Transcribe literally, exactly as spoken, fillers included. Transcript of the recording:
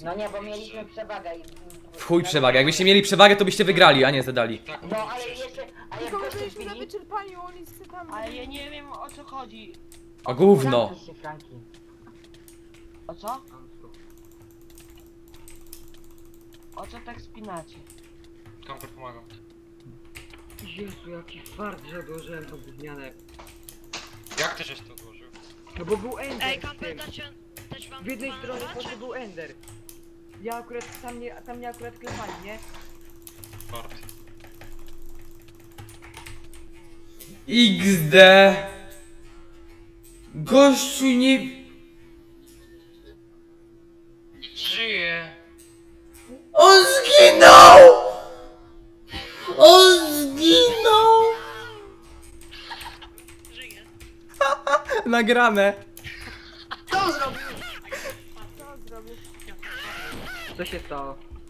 No nie, bo mieliśmy przewagę i... W chuj przewagę. Jakbyście mieli przewagę, to byście wygrali, a nie zadali. Tak, No ale jeszcze... A jak Tylko my goście byliśmy na śpili... wyczerpaniu, oni se tam... Ale ja nie wiem o co chodzi. O gówno. Zamknij się, Franki. O co? O co tak spinacie? Kamper pomagam. Jezu, jaki fart, że odłożyłem tą gównianę. Jak ty żeś to odłożył? No bo był Ender Ej, w kamper, tym. dać, dać wam W jednej dwa stronie macze? po był Ender. Ja akurat, tam mnie, tam mnie akurat klepali, nie? Bart. iks de. Gościu nie... Żyje! On zginął! On zginął! Żyje. Nagrane. Co zrobił? Co się stało?